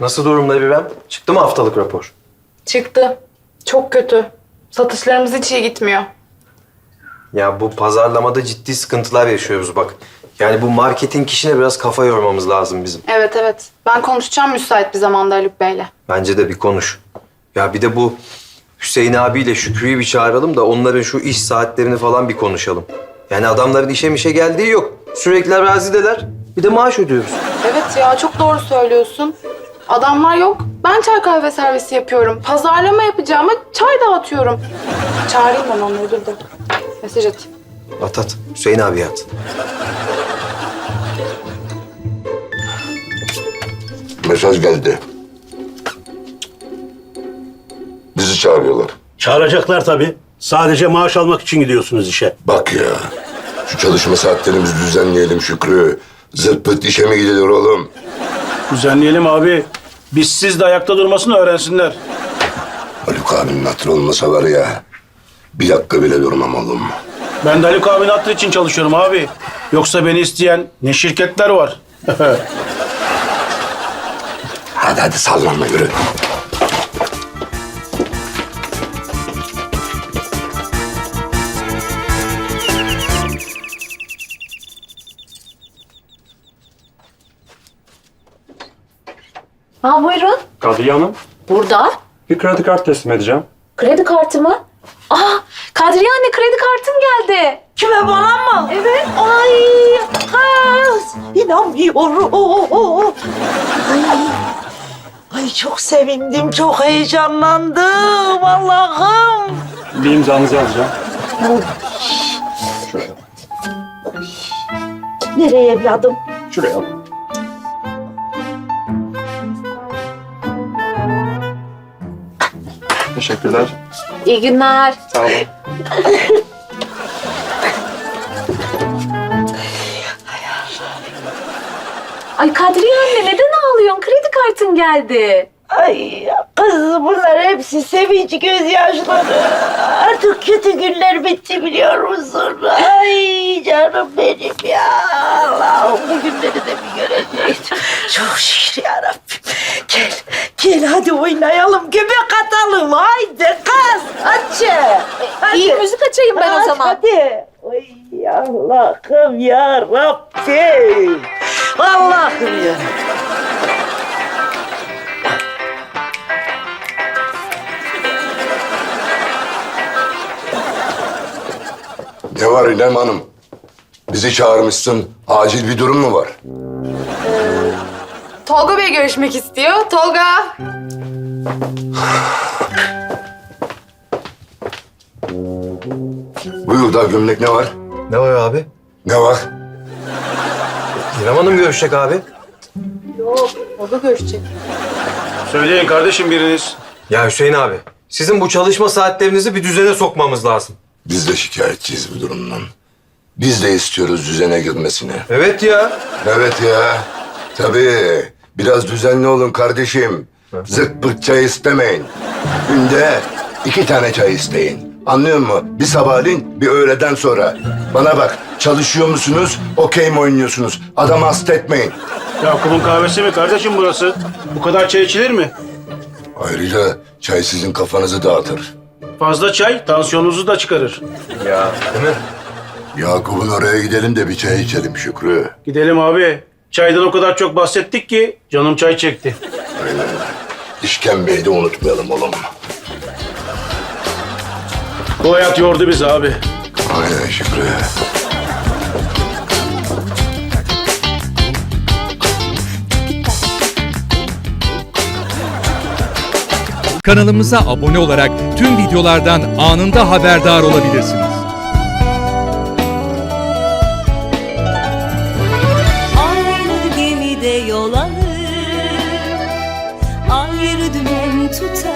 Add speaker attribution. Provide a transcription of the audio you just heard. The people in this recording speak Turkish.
Speaker 1: Nasıl durumda İrem? Çıktı mı haftalık rapor?
Speaker 2: Çıktı. Çok kötü. Satışlarımız hiç iyi gitmiyor.
Speaker 1: Ya bu pazarlamada ciddi sıkıntılar yaşıyoruz bak. Yani bu marketing işine biraz kafa yormamız lazım bizim.
Speaker 2: Evet. Ben konuşacağım müsait bir zamanda Haluk Bey'le.
Speaker 1: Bence de bir konuş. Ya bir de bu Hüseyin abiyle Şükrü'yü bir çağıralım da onların şu iş saatlerini falan bir konuşalım. Yani adamların işe geldiği yok. Sürekli arazideler. Bir de maaş ödüyoruz.
Speaker 2: Evet ya çok doğru söylüyorsun. Adamlar yok. Ben çay kahve servisi yapıyorum. Pazarlama yapacağıma çay dağıtıyorum. Çağırayım ben onları dur da. Mesaj atayım.
Speaker 1: At. Hüseyin abi at.
Speaker 3: Mesaj geldi. Bizi çağırıyorlar.
Speaker 4: Çağıracaklar tabii. Sadece maaş almak için gidiyorsunuz işe.
Speaker 3: Bak ya, şu çalışma saatlerimizi düzenleyelim Şükrü. Zırt pırt işe mi gidilir oğlum?
Speaker 4: Düzenleyelim abi. Biz siz de ayakta durmasını öğrensinler.
Speaker 3: Haluk abinin hatırı olmasa var ya, bir dakika bile durmam oğlum.
Speaker 4: Ben de Haluk abinin hatırı için çalışıyorum abi. Yoksa beni isteyen ne şirketler var.
Speaker 3: Hadi sallanma yürü.
Speaker 5: Ha buyurun.
Speaker 6: Kadriye Hanım,
Speaker 5: Burada.
Speaker 6: bir kredi kartı teslim edeceğim.
Speaker 5: Kredi kartı mı? Aa, Kadriye anne kredi kartım geldi.
Speaker 7: Kime, bana mı?
Speaker 5: Evet.
Speaker 7: Ay kız, inanmıyorum. Ay çok sevindim, çok heyecanlandım Allah'ım.
Speaker 6: Bir imzanızı alacağım. Şuraya.
Speaker 7: Nereye evladım?
Speaker 6: Şuraya al. Teşekkürler.
Speaker 5: İyi günler.
Speaker 6: Sağ olun.
Speaker 5: Ay Kadriye anne neden ağlıyorsun? Kredi kartın geldi.
Speaker 7: Ay kız, bunlar hepsi sevinç gözyaşları. Artık kötü günler bitti biliyor musun? Ay canım benim ya. Allah'ım bu günleri de bir görecektim. Çok şükür yarabbim. Gel hadi oynayalım, göbek atalım. Haydi kız, hadi.
Speaker 5: İyi müzik açayım ben o zaman.
Speaker 7: Hadi. Ay Allah'ım ya Rabbim. Allah'ım ya.
Speaker 3: Ne var İrem Hanım? Bizi çağırmışsın. Acil bir durum mu var?
Speaker 2: Tolga Bey görüşmek istiyor. Tolga.
Speaker 3: Buyur da gömlek ne var?
Speaker 1: Ne var abi?
Speaker 3: Ne var?
Speaker 1: İrem Hanım görüşecek abi.
Speaker 2: Yok, Tolga görüşecek.
Speaker 4: Söyleyin kardeşim biriniz.
Speaker 1: Ya Hüseyin abi, sizin bu çalışma saatlerinizi bir düzene sokmamız lazım.
Speaker 3: Biz de şikayetçiyiz bu durumdan. Biz de istiyoruz düzene girmesini.
Speaker 1: Evet ya.
Speaker 3: Evet ya. Tabii. Biraz düzenli olun kardeşim. Zırt pırt çay istemeyin. Günde 2 tane çay isteyin. Anlıyor musun? Bir sabahleyin, bir öğleden sonra. Bana bak, çalışıyor musunuz, okey mi oynuyorsunuz? Adamı hasta etmeyin.
Speaker 4: Yakup'un kahvesi mi kardeşim burası? Bu kadar çay içilir mi?
Speaker 3: Ayrıca çay sizin kafanızı dağıtır.
Speaker 4: Fazla çay tansiyonunuzu da çıkarır.
Speaker 1: Ya değil mi?
Speaker 3: Yakup'un oraya gidelim de bir çay içelim Şükrü.
Speaker 4: Gidelim abi. Çaydan o kadar çok bahsettik ki canım çay çekti.
Speaker 3: Aynen. İşkembeyi de unutmayalım oğlum.
Speaker 4: Bu hayat yordu bizi abi.
Speaker 3: Aynen Şükrü.
Speaker 8: Kanalımıza abone olarak tüm videolardan anında haberdar olabilirsiniz.
Speaker 9: Aynı gemide yol alır, ayrı dümen tutar.